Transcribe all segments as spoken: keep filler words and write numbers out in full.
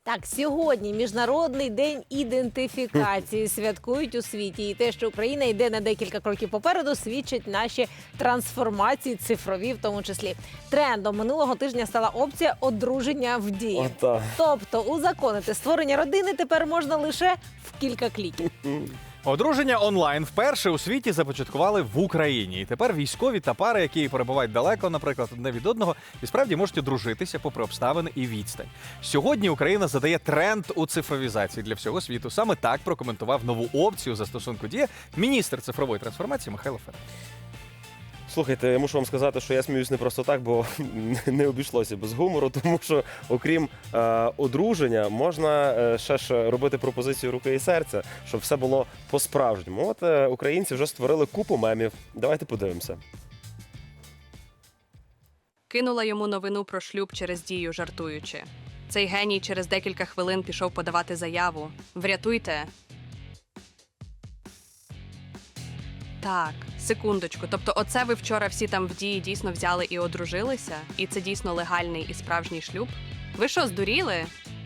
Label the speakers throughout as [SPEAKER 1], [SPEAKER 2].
[SPEAKER 1] Так, сьогодні Міжнародний день ідентифікації святкують у світі. І те, що Україна йде на декілька кроків попереду, свідчить наші трансформації цифрові в тому числі. Трендом минулого тижня стала опція одруження в дії.
[SPEAKER 2] Ота.
[SPEAKER 1] Тобто узаконити створення родини тепер можна лише в кілька кліків.
[SPEAKER 3] Одруження онлайн вперше у світі започаткували в Україні. І тепер військові та пари, які перебувають далеко, наприклад, одне від одного, і справді можуть одружитися попри обставини і відстань. Сьогодні Україна задає тренд у цифровізації для всього світу. Саме так прокоментував нову опцію застосунку «Дія» міністр цифрової трансформації Михайло Федоров.
[SPEAKER 2] Слухайте, я мушу вам сказати, що я сміюсь не просто так, бо не обійшлося без гумору, тому що окрім е, одруження, можна е, ще ж робити пропозицію руки і серця, щоб все було по-справжньому. От е, українці вже створили купу мемів. Давайте подивимося.
[SPEAKER 4] Кинула йому новину про шлюб через Дію, жартуючи. Цей геній через декілька хвилин пішов подавати заяву. Врятуйте. Так, секундочку. Тобто оце ви вчора всі там в Дії дійсно взяли і одружилися? І це дійсно легальний і справжній шлюб? Ви що, здуріли?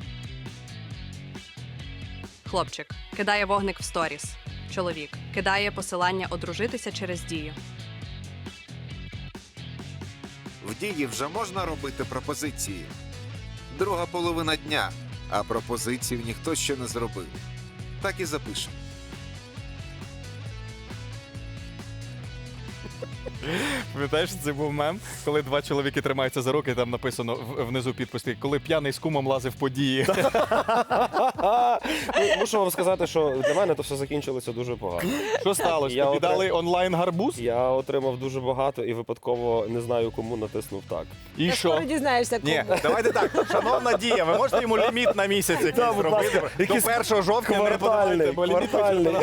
[SPEAKER 4] Хлопчик кидає вогник в сторіс. Чоловік кидає посилання одружитися через Дію.
[SPEAKER 5] В Дії вже можна робити пропозиції. Друга половина дня, а пропозицію ніхто ще не зробив. Так і запишемо.
[SPEAKER 3] Пам'ятаєш, це був мем, коли два чоловіки тримаються за руки, і там написано в- внизу підпис, коли п'яний з кумом лазив по Дії.
[SPEAKER 2] Ну, мушу вам сказати, що для мене то все закінчилося дуже погано.
[SPEAKER 3] Що сталося?
[SPEAKER 2] Я
[SPEAKER 3] Тобі
[SPEAKER 2] отре-
[SPEAKER 3] дали онлайн-гарбуз?
[SPEAKER 2] Я отримав дуже багато і випадково не знаю, кому натиснув так.
[SPEAKER 3] І
[SPEAKER 1] Ти
[SPEAKER 3] що?
[SPEAKER 1] скоро дізнаєшся, кому.
[SPEAKER 3] Ні, давайте так, шановна Дія, ви можете йому ліміт на місяць якийсь
[SPEAKER 2] Да, будь
[SPEAKER 3] зробити?
[SPEAKER 2] ласка,
[SPEAKER 3] До
[SPEAKER 2] якийсь
[SPEAKER 3] першого жовтня не подавайте,
[SPEAKER 2] Квартальний,
[SPEAKER 3] бо ліміт
[SPEAKER 2] квартальний.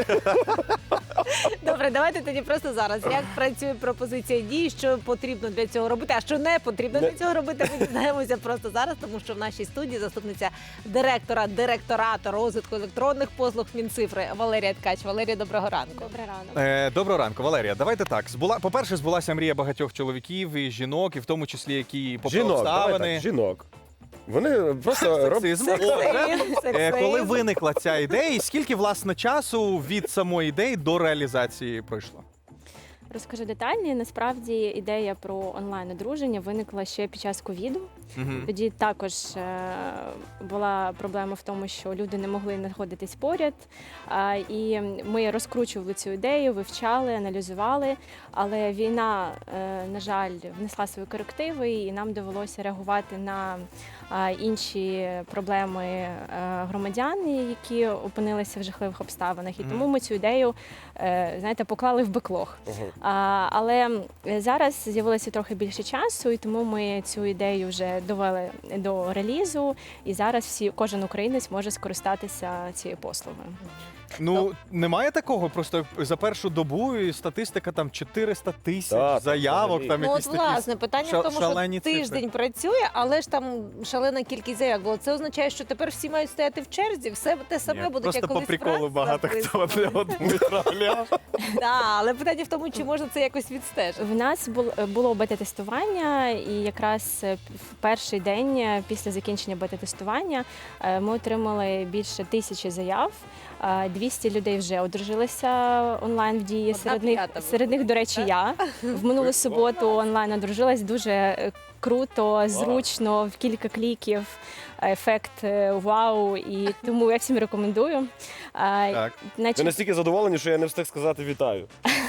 [SPEAKER 1] Добре, давайте тоді просто зараз. Як працює пропозиція дій, що потрібно для цього робити, а що не потрібно для цього робити, ми дізнаємося просто зараз, тому що в нашій студії заступниця директора директорату розвитку електронних послуг Мінцифри Валерія Ткач. Валерія, доброго ранку.
[SPEAKER 6] Добрий ранок.
[SPEAKER 3] Е, Доброго ранку, Валерія. Давайте так. Збула, по-перше, збулася мрія багатьох чоловіків і жінок, і в тому числі, які попри
[SPEAKER 2] Жінок, давай
[SPEAKER 3] обставини.
[SPEAKER 2] так, жінок. Вони просто роблять...
[SPEAKER 3] Сексизм. О, вже.
[SPEAKER 1] Сексизм.
[SPEAKER 3] Е, Коли виникла ця ідея, і скільки, власне, часу від самої ідеї до реалізації пройшло?
[SPEAKER 6] Розкажу детальні. Насправді ідея про онлайн-одруження виникла ще під час ковіду.
[SPEAKER 3] Мгм.
[SPEAKER 6] Тоді також е, була проблема в тому, що люди не могли знаходитись поряд. А, і ми розкручували цю ідею, вивчали, аналізували. Але війна, е, на жаль, внесла свої корективи, і нам довелося реагувати на а, інші проблеми е, громадян, які опинилися в жахливих обставинах. І
[SPEAKER 3] Мгм.
[SPEAKER 6] тому ми цю ідею, е, знаєте, поклали в беклог.
[SPEAKER 2] Ага.
[SPEAKER 6] А, але зараз з'явилося трохи більше часу, і тому ми цю ідею вже довели до релізу. І зараз всі, кожен українець може скористатися цією послугою.
[SPEAKER 3] Ну, немає такого, просто за першу добу і статистика там чотириста тисяч
[SPEAKER 2] Так,
[SPEAKER 3] заявок,
[SPEAKER 2] взагалі.
[SPEAKER 3] там
[SPEAKER 1] Ну,
[SPEAKER 3] якісь
[SPEAKER 1] от,
[SPEAKER 3] такі.
[SPEAKER 1] власне, питання
[SPEAKER 3] ша-
[SPEAKER 1] в тому, що
[SPEAKER 3] шалені
[SPEAKER 1] тиждень
[SPEAKER 3] цифри.
[SPEAKER 1] працює, але ж там шалена кількість заявок було. Це означає, що тепер всі мають стояти в черзі, все те саме
[SPEAKER 3] Ні,
[SPEAKER 1] буде,
[SPEAKER 3] просто
[SPEAKER 1] як
[SPEAKER 3] по
[SPEAKER 1] колись
[SPEAKER 3] приколу
[SPEAKER 1] Франц
[SPEAKER 3] багато хто
[SPEAKER 1] записував.
[SPEAKER 3] для одного відправляв.
[SPEAKER 1] Да, але питання в тому, чи можна це якось відстежити.
[SPEAKER 6] В нас бул- було бета-тестування, і якраз е, в перший день е, після закінчення бета-тестування е, ми отримали більше тисячі заяв. Е, двісті людей вже одружилися онлайн в дії.
[SPEAKER 1] Одна
[SPEAKER 6] Серед них,
[SPEAKER 1] п'ята була.
[SPEAKER 6] серед них, до речі, я в минулу суботу онлайн одружилась. Дуже е, круто, зручно, в кілька кліків. Ефект е, вау, і тому я всім рекомендую. Е,
[SPEAKER 3] Так.
[SPEAKER 2] Ви
[SPEAKER 6] Значить,
[SPEAKER 2] настільки задоволені, що я не встиг сказати вітаю.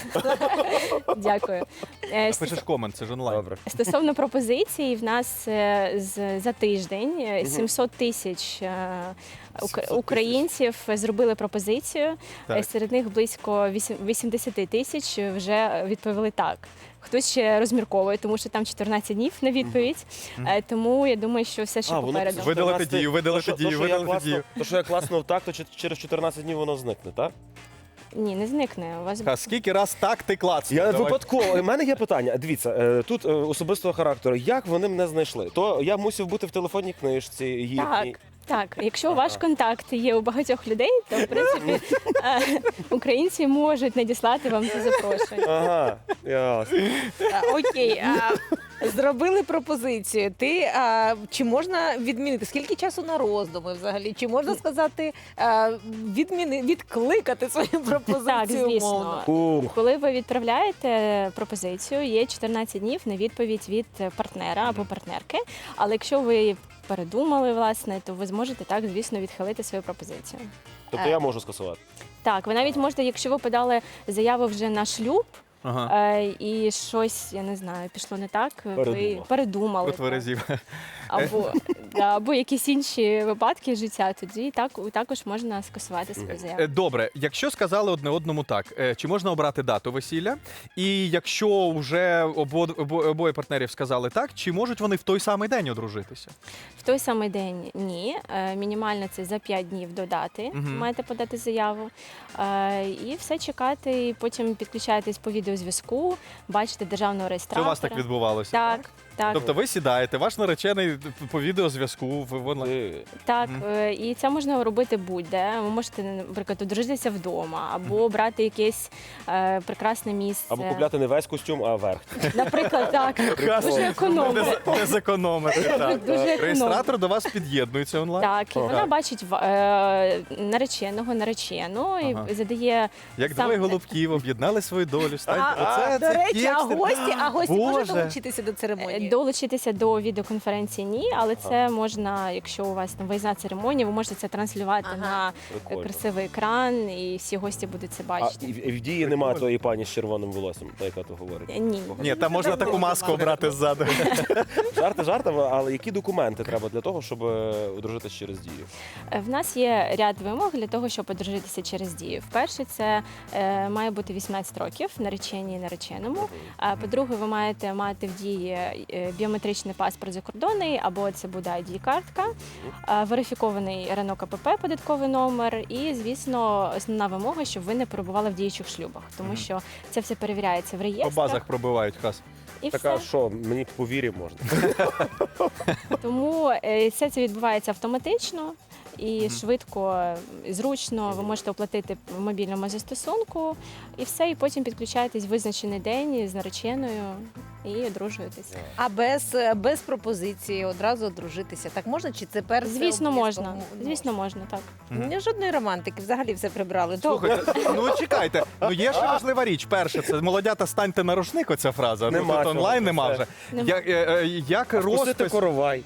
[SPEAKER 6] дякую. Е,
[SPEAKER 3] Пишеш комент, це ж онлайн.
[SPEAKER 2] Добре.
[SPEAKER 6] Стосовно пропозицій, в нас е, з- за тиждень е, сімсот тисяч е, ук-
[SPEAKER 2] сімсот тисяч.
[SPEAKER 6] українців зробили пропозицію.
[SPEAKER 3] Так.
[SPEAKER 6] Е, Серед них близько вісім- вісімдесят тисяч вже відповіли так. Хтось ще розмірковує, тому що там чотирнадцять днів на відповідь. Е, Тому я думаю, що все ще
[SPEAKER 2] А, воно
[SPEAKER 6] попереду.
[SPEAKER 2] це
[SPEAKER 3] Видалити
[SPEAKER 2] чотирнадцять
[SPEAKER 3] дію, видалити
[SPEAKER 2] То, що-
[SPEAKER 3] дію,
[SPEAKER 2] то, що я
[SPEAKER 3] видалити
[SPEAKER 2] класно-
[SPEAKER 3] дію.
[SPEAKER 2] То, що я класно так, то чи- через чотирнадцять днів воно зникне, так?
[SPEAKER 6] Ні, не зникне. У вас
[SPEAKER 3] А скільки раз так ти клацнув?
[SPEAKER 2] Я
[SPEAKER 3] Давай.
[SPEAKER 2] випадково. У мене є питання. Дивіться, е, тут е, особистого характеру. Як вони мене знайшли? То я мусив бути в телефонній книжці їхній.
[SPEAKER 6] Так, так. Якщо ваш контакт є у багатьох людей, то в принципі е, українці можуть надіслати вам це запрошення.
[SPEAKER 2] Ага, ясно.
[SPEAKER 1] А, Окей, а Зробили пропозицію. Ти а, чи можна відмінити? Скільки часу на роздуми взагалі? Чи можна сказати а, відміни, відкликати свою пропозицію?
[SPEAKER 6] Так, звісно.
[SPEAKER 1] умовно?
[SPEAKER 2] Ух.
[SPEAKER 6] Коли ви відправляєте пропозицію, є чотирнадцять днів на відповідь від партнера або партнерки. Але якщо ви передумали, власне, то ви зможете так, звісно, відхилити свою пропозицію.
[SPEAKER 2] Тобто я можу скасувати.
[SPEAKER 6] Так, ви навіть можете, якщо ви подали заяву вже на шлюб,
[SPEAKER 3] Ага.
[SPEAKER 6] е, і щось, я не знаю, пішло не так, ви
[SPEAKER 2] Передумав.
[SPEAKER 6] передумали. так.
[SPEAKER 3] Протверезів.
[SPEAKER 6] Або, да, або якісь інші випадки життя, тоді так, також можна скасувати свою заяву.
[SPEAKER 3] Е, Добре, якщо сказали одне одному так, е, чи можна обрати дату весілля? І якщо вже обо, обо, обоє партнерів сказали так, чи можуть вони в той самий день одружитися?
[SPEAKER 6] В той самий день ні. Е, Мінімально це за п'ять днів до дати.
[SPEAKER 3] Мгм.
[SPEAKER 6] Маєте подати заяву. Е, І все чекати, і потім підключаєтесь по відеозв'язку, бачите державного
[SPEAKER 3] Це
[SPEAKER 6] реєстратора.
[SPEAKER 3] у вас так відбувалося?
[SPEAKER 6] Так, так.
[SPEAKER 3] Тобто ви сідаєте, ваш наречений по відеозв'язку в в онлайн.
[SPEAKER 2] Ти-
[SPEAKER 6] Так,
[SPEAKER 3] Мгм.
[SPEAKER 6] е, і це можна робити будь-де. Ви можете, наприклад, одружитися вдома, або брати якесь е, прекрасне місце.
[SPEAKER 2] Або купляти не весь костюм, а верх.
[SPEAKER 6] Наприклад, так. Дуже
[SPEAKER 3] Не,
[SPEAKER 6] економно.
[SPEAKER 3] з- не зекономити. Так.
[SPEAKER 6] Дуже економно.
[SPEAKER 3] Реєстратор до вас під'єднується онлайн.
[SPEAKER 6] Так, і
[SPEAKER 2] Ага.
[SPEAKER 6] вона бачить в- е, нареченого, наречену і
[SPEAKER 3] Ага.
[SPEAKER 6] задає
[SPEAKER 3] Як
[SPEAKER 6] сам-
[SPEAKER 3] двоє голубків об'єднали свою долю. Станьте.
[SPEAKER 1] А,
[SPEAKER 3] Оце-
[SPEAKER 1] до
[SPEAKER 3] це
[SPEAKER 1] речі, а
[SPEAKER 3] тексти.
[SPEAKER 1] гості, а гості можуть
[SPEAKER 3] Боже.
[SPEAKER 1] долучитися до церемонії?
[SPEAKER 6] Е, долучитися до відеоконференції ні, але це можна, якщо у вас там виїзна церемонія, ви можете це транслювати
[SPEAKER 1] Ага.
[SPEAKER 6] на е,
[SPEAKER 2] Прикольно.
[SPEAKER 6] красивий екран, і всі гості будуть це
[SPEAKER 2] А
[SPEAKER 6] бачити.
[SPEAKER 2] і в і в дії немає тої пані з червоним волоссям, та яка то говорить.
[SPEAKER 6] Е, Ні.
[SPEAKER 3] Ні, там можна таку маску обрати ззаду.
[SPEAKER 2] Жарти жартами, але які документи треба для того, щоб е, одружитись через дію?
[SPEAKER 6] Е, В нас є ряд вимог для того, щоб одружитися через дію. Вперше, це е, має бути вісімнадцять років нареченій і нареченому. А по-друге, ви маєте мати в дії е, біометричний паспорт закордонний, або це буде ай ді-картка, е, верифікований РНО КПП, податковий номер, і, звісно, основна вимога, щоб ви не перебували в діючих шлюбах, тому що це все перевіряється в
[SPEAKER 3] По
[SPEAKER 6] реєстрах.
[SPEAKER 3] базах пробивають хас.
[SPEAKER 6] І
[SPEAKER 2] Така,
[SPEAKER 6] все.
[SPEAKER 2] що мені по вірі можна.
[SPEAKER 6] Тому е, все це відбувається автоматично і швидко, і зручно. Ви можете оплатити в мобільному застосунку і все, і потім підключаєтесь в визначений день з нареченою і одружуєтесь.
[SPEAKER 1] А без, без пропозиції одразу одружитися. Так можна? Чи це перше?
[SPEAKER 6] Звісно, можна.
[SPEAKER 1] обов'язково?
[SPEAKER 6] Звісно, можна, так.
[SPEAKER 1] Ні, жодної романтики, взагалі все прибрали.
[SPEAKER 3] Слухайте, ну чекайте. Ну є ще важлива річ. Перше, це молодята станьте на рушник. Оця фраза.
[SPEAKER 2] Нема
[SPEAKER 3] Ну, тут
[SPEAKER 2] цього,
[SPEAKER 3] онлайн нема
[SPEAKER 2] це-
[SPEAKER 3] вже.
[SPEAKER 6] Нема.
[SPEAKER 3] Як, е, е, як
[SPEAKER 2] Пустити
[SPEAKER 3] розпис...
[SPEAKER 2] коровай.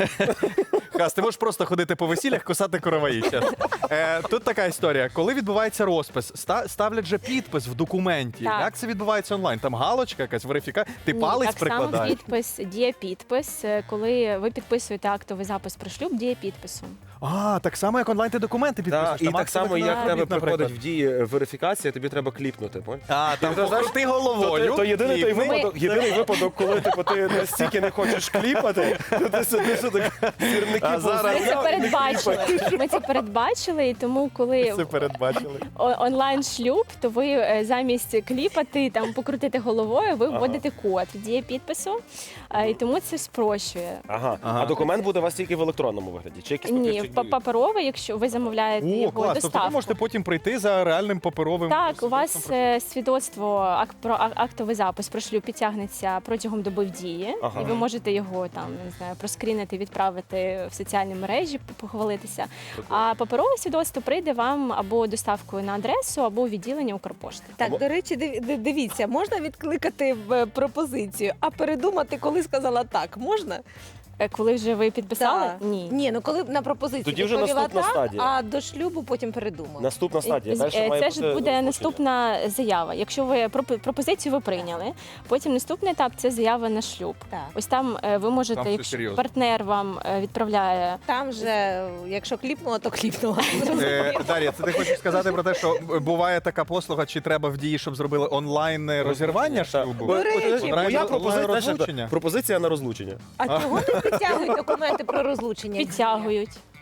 [SPEAKER 3] Хас, ти можеш просто ходити по весіллях, кусати короваї. чесно. Е, тут така історія. Коли відбувається розпис, ста- ставлять же підпис в документі.
[SPEAKER 6] Так.
[SPEAKER 3] Як це відбувається онлайн? Там галочка, якась верифікація. Ти
[SPEAKER 6] Ні,
[SPEAKER 3] палець
[SPEAKER 6] так само
[SPEAKER 3] прикладаєш.
[SPEAKER 6] підпис, діє підпис. Е, Коли ви підписуєте актовий запис про шлюб, діє підписом.
[SPEAKER 3] А, так само, як онлайн ти документи підписуєш.
[SPEAKER 2] Так, і
[SPEAKER 3] Там
[SPEAKER 2] так
[SPEAKER 3] актовий
[SPEAKER 2] само, як в
[SPEAKER 3] документ,
[SPEAKER 2] тебе
[SPEAKER 3] наприклад.
[SPEAKER 2] приходить в дії верифікація, тобі треба кліпнути. понял?
[SPEAKER 3] А, там
[SPEAKER 2] Ти знаєш,
[SPEAKER 3] покрути
[SPEAKER 2] То,
[SPEAKER 3] головою.
[SPEAKER 2] то єдиний той
[SPEAKER 3] кліпни.
[SPEAKER 2] випадок, єдиний випадок, коли типу, ти настільки не хочеш кліпати, то ти сидиш і так сірники
[SPEAKER 3] А зараз-
[SPEAKER 6] Ми це передбачили. Ми це передбачили, і тому, коли
[SPEAKER 3] Це передбачили.
[SPEAKER 6] о- онлайн шлюб, то ви е, замість кліпати там покрутити головою, ви вводите код діє підпису, е, і тому це спрощує.
[SPEAKER 2] Ага.
[SPEAKER 3] Ага.
[SPEAKER 2] А документ буде у вас тільки в електронному вигляді? Чи якийсь
[SPEAKER 6] Ні,
[SPEAKER 2] папірчик
[SPEAKER 6] па-
[SPEAKER 2] діє?
[SPEAKER 6] паперовий, якщо ви замовляєте
[SPEAKER 3] О,
[SPEAKER 6] його
[SPEAKER 3] клас. Тобто ви
[SPEAKER 6] доставку.
[SPEAKER 3] можете потім прийти за реальним паперовим.
[SPEAKER 6] Так, у вас
[SPEAKER 3] свідоцтвом
[SPEAKER 6] е, свідоцтво ак- про а- актовий запис про шлюб підтягнеться протягом доби в дії,
[SPEAKER 2] Ага.
[SPEAKER 6] і ви можете його там не знаю, проскрінити, відправити в соціальні мережі, похвалитися. А паперове свідоцтво прийде вам або доставкою на адресу, або у відділення Укрпошти.
[SPEAKER 1] Так,
[SPEAKER 2] Або-
[SPEAKER 1] до речі, див- ди- дивіться, можна відкликати в пропозицію, а передумати, коли сказала так, можна?
[SPEAKER 6] Е, Коли вже ви підписали?
[SPEAKER 1] Так.
[SPEAKER 6] Ні.
[SPEAKER 1] Ні, ну коли на пропозицію
[SPEAKER 2] Тоді вже
[SPEAKER 1] відповіла
[SPEAKER 2] наступна
[SPEAKER 1] так,
[SPEAKER 2] стадія.
[SPEAKER 1] а до шлюбу потім передумала.
[SPEAKER 2] Наступна стадія.
[SPEAKER 6] З-
[SPEAKER 2] Далі
[SPEAKER 6] е,
[SPEAKER 2] має
[SPEAKER 6] Це
[SPEAKER 2] бути
[SPEAKER 6] ж буде
[SPEAKER 2] розлучення.
[SPEAKER 6] наступна заява. Якщо ви пропо- пропозицію ви прийняли, потім наступний етап це заява на шлюб.
[SPEAKER 1] Так.
[SPEAKER 6] Ось там е, ви можете,
[SPEAKER 3] Там все
[SPEAKER 6] якщо
[SPEAKER 3] серйозно.
[SPEAKER 6] партнер вам е, відправляє.
[SPEAKER 1] Там же, якщо кліпнула, то кліпнула.
[SPEAKER 3] Е, Дар'я, це ти хочеш сказати про те, що буває така послуга, чи треба в дії, щоб зробили онлайн розірвання шлюбу?
[SPEAKER 2] Бо-
[SPEAKER 1] речі.
[SPEAKER 2] от,
[SPEAKER 3] Онлайн-
[SPEAKER 2] Моя
[SPEAKER 3] онлайн
[SPEAKER 2] пропозиція,
[SPEAKER 3] розлучення?
[SPEAKER 2] знаєш, пропозиція на розлучення.
[SPEAKER 1] А чого не підтягують документи про розлучення?
[SPEAKER 6] Підтягують.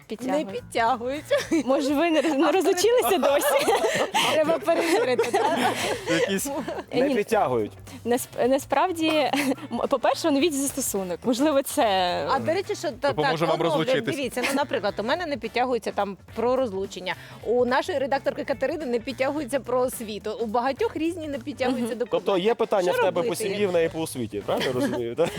[SPEAKER 1] Не
[SPEAKER 6] Підтягують.
[SPEAKER 1] підтягуються.
[SPEAKER 6] Може, ви не, роз- не розучилися досі?
[SPEAKER 1] Треба перевірити. так?
[SPEAKER 3] Якісь
[SPEAKER 6] Е,
[SPEAKER 2] Не
[SPEAKER 6] ні,
[SPEAKER 2] підтягують.
[SPEAKER 6] насп- Насправді, м, по-перше, оновіть застосунок. Можливо, це
[SPEAKER 1] А до речі, що та,
[SPEAKER 3] Допоможе
[SPEAKER 1] так,
[SPEAKER 3] вам
[SPEAKER 1] оновлюють.
[SPEAKER 3] розлучитись.
[SPEAKER 1] Дивіться, ну, наприклад, у мене не підтягується там про розлучення. У нашої редакторки Катерини не підтягується про освіту. У багатьох різні не підтягуються документи.
[SPEAKER 2] Тобто є питання
[SPEAKER 1] Що
[SPEAKER 2] в тебе по
[SPEAKER 1] робити?
[SPEAKER 2] сім'ї, в неї по освіті, правильно розумію? так?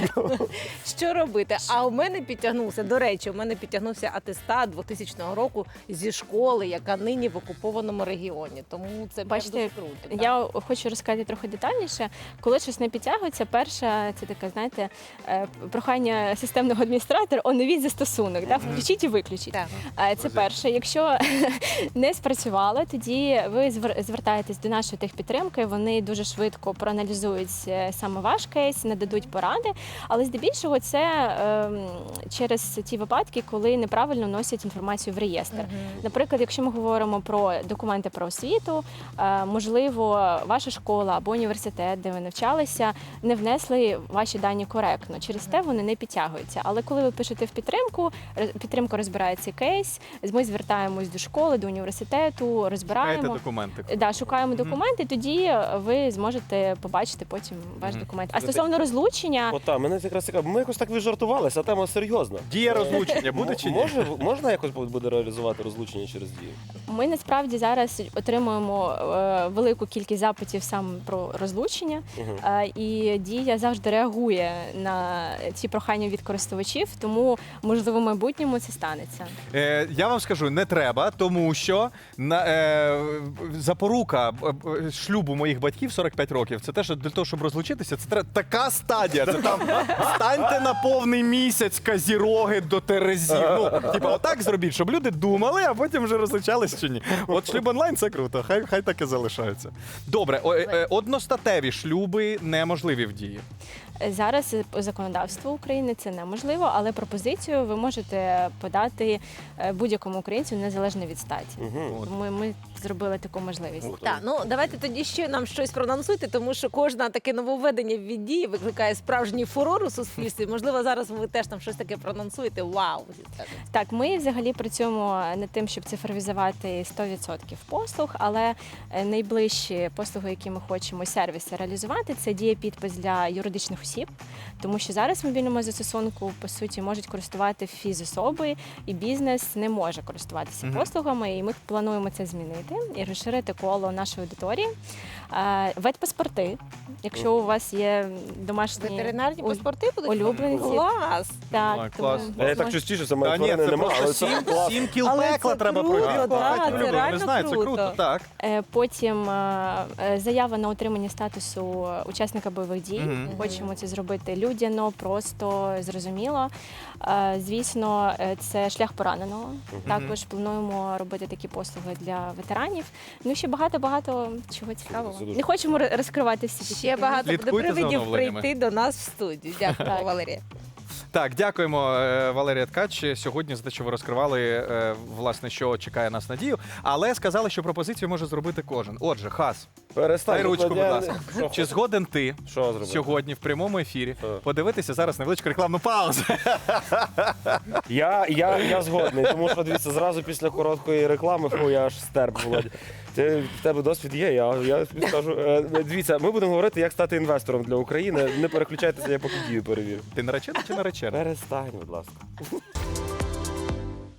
[SPEAKER 1] Що робити? А у мене підтягнувся, до речі, у мене підтягнувся атестат двохтисячного року зі школи, яка нині в окупованому регіоні. Тому це прям
[SPEAKER 6] Бачите,
[SPEAKER 1] дуже круто. так.
[SPEAKER 6] я хочу розказати трохи детальніше. Коли щось не підтягується, перша це таке, знаєте, е, прохання системного адміністратора, оновіть застосунок, да? Включіть і виключіть.
[SPEAKER 1] Так.
[SPEAKER 6] Е, Це перше. Якщо не спрацювало, тоді ви звер- звертаєтесь до нашої техпідтримки. Вони дуже швидко проаналізують е, саме ваш кейс, нададуть поради. Але здебільшого це ем, через ті випадки, коли неправильно вносять інформацію в реєстр. Наприклад, якщо ми говоримо про документи про освіту, е, можливо, ваша школа або університет, де ви навчалися, не внесли ваші дані коректно. Через те вони не підтягуються. Але коли ви пишете в підтримку, ре- підтримка розбирає цей кейс, ми звертаємось до школи, до університету,
[SPEAKER 3] шукаєте
[SPEAKER 6] розбираємо.
[SPEAKER 3] документи.
[SPEAKER 6] Да, шукаємо
[SPEAKER 3] Мгм.
[SPEAKER 6] документи, тоді ви зможете побачити потім ваш
[SPEAKER 3] Мгм.
[SPEAKER 6] документ. А стосовно розлучення,
[SPEAKER 2] От так, мене якраз цікаво. Ми якось так віджартувалися, а тема серйозна.
[SPEAKER 3] Дія розлучення буде чи ні?
[SPEAKER 2] Може, можна якось буде реалізувати розлучення через дію?
[SPEAKER 6] ми насправді зараз отримуємо е, велику кількість запитів саме про розлучення.
[SPEAKER 2] Мгм.
[SPEAKER 6] Е, І дія завжди реагує на ці прохання від користувачів, тому можливо в майбутньому це станеться.
[SPEAKER 3] Е, я вам скажу, не треба, тому що на, е, запорука е, е, шлюбу моїх батьків сорок п'ять років. Це те, що для того, щоб розлучитися, це треба така стадія. Це там станьте на повний місяць казіроги до терезів. Ну, типа, отак зробіть, щоб люди думали, а потім вже розлучались чи ні. От шлюб онлайн це круто. Хай хай так і залишаються. Добре, о, е, е, одностатеві шлюби неможливі в дії.
[SPEAKER 6] Е, Зараз по законодавству України це неможливо, але пропозицію ви можете подати е, будь-якому українцю незалежно від статі.
[SPEAKER 2] Мгм.
[SPEAKER 3] От.
[SPEAKER 6] Ми, ми зробили таку можливість.
[SPEAKER 2] Ух ти.
[SPEAKER 1] Так, ну давайте тоді ще нам щось проанонсуйте, тому що кожне таке нововведення від дії викликає справжній фурор у суспільстві. Можливо, зараз ви теж там щось таке проанонсуєте. Вау!
[SPEAKER 6] Так, ми взагалі працюємо над тим, щоб цифровізувати сто відсотків послуг, але е, найближчі послуги, які ми хочемо сервіси реалізувати, це дієпідпис для юридичних осіб, тому що зараз в мобільному застосунку по суті можуть користувати фізособи, і бізнес не може користуватися
[SPEAKER 3] Мгм.
[SPEAKER 6] послугами. І ми плануємо це змінити і розширити коло нашої аудиторії. Е, Ветпаспорти, якщо у вас є домашні
[SPEAKER 1] Ветеринарні
[SPEAKER 6] у-
[SPEAKER 1] паспорти будуть
[SPEAKER 6] улюбленці.
[SPEAKER 1] Клас!
[SPEAKER 6] Так,
[SPEAKER 3] Ой,
[SPEAKER 6] тому
[SPEAKER 3] клас.
[SPEAKER 2] Я так
[SPEAKER 6] можна-
[SPEAKER 2] частіше, це
[SPEAKER 3] Та
[SPEAKER 2] моєї
[SPEAKER 3] ні,
[SPEAKER 2] тварини
[SPEAKER 3] це
[SPEAKER 2] нема, але
[SPEAKER 3] просто
[SPEAKER 2] це
[SPEAKER 3] сім,
[SPEAKER 2] клас.
[SPEAKER 3] сім кіл
[SPEAKER 1] Але
[SPEAKER 3] пекла
[SPEAKER 1] це
[SPEAKER 3] треба
[SPEAKER 1] круто,
[SPEAKER 3] пройти.
[SPEAKER 1] да,
[SPEAKER 3] Хай
[SPEAKER 1] це
[SPEAKER 3] люди
[SPEAKER 1] реально
[SPEAKER 3] не знаю, це
[SPEAKER 1] круто.
[SPEAKER 3] круто. Так.
[SPEAKER 6] Е, Потім е, е, заява на отримання статусу учасника бойових дій.
[SPEAKER 3] Мгм.
[SPEAKER 6] Хочемо це зробити людяно, просто зрозуміло. Е, Звісно, е, це шлях пораненого. Також плануємо робити такі послуги для ветеранів. Ну і ще багато багато чого цікавого.
[SPEAKER 2] Це дуже
[SPEAKER 6] Не хочемо ро- розкривати всі такі
[SPEAKER 1] Ще
[SPEAKER 6] таємниці.
[SPEAKER 1] багато буде
[SPEAKER 3] Слідкуйте за
[SPEAKER 1] привидів
[SPEAKER 3] оновленнями.
[SPEAKER 1] прийти до нас в студію. Дякую,
[SPEAKER 6] Так.
[SPEAKER 1] Валерія.
[SPEAKER 3] Так, дякуємо, е, Валерія Ткач, сьогодні за те, що ви розкривали, е, власне, що чекає нас Надію. Але сказали, що пропозицію може зробити кожен. Отже, Хас,
[SPEAKER 2] Перестань.
[SPEAKER 3] дай ручку, будь
[SPEAKER 2] я-
[SPEAKER 3] ласка.
[SPEAKER 2] Що
[SPEAKER 3] Чи згоден ти
[SPEAKER 2] Що зробити?
[SPEAKER 3] сьогодні в прямому ефірі
[SPEAKER 2] Що?
[SPEAKER 3] подивитися зараз невеличку рекламну паузу?
[SPEAKER 2] Я, я, я згодний, тому що дивіться, зразу після короткої реклами, фу, я аж стерп, Володя. Ти, в тебе досвід є, я, я тобі скажу. Е, Дивіться, ми будемо говорити, як стати інвестором для України. Не переключайтеся, я поки дію перевірю.
[SPEAKER 3] Ти наречена чи наречена?
[SPEAKER 2] Перестань, будь ласка.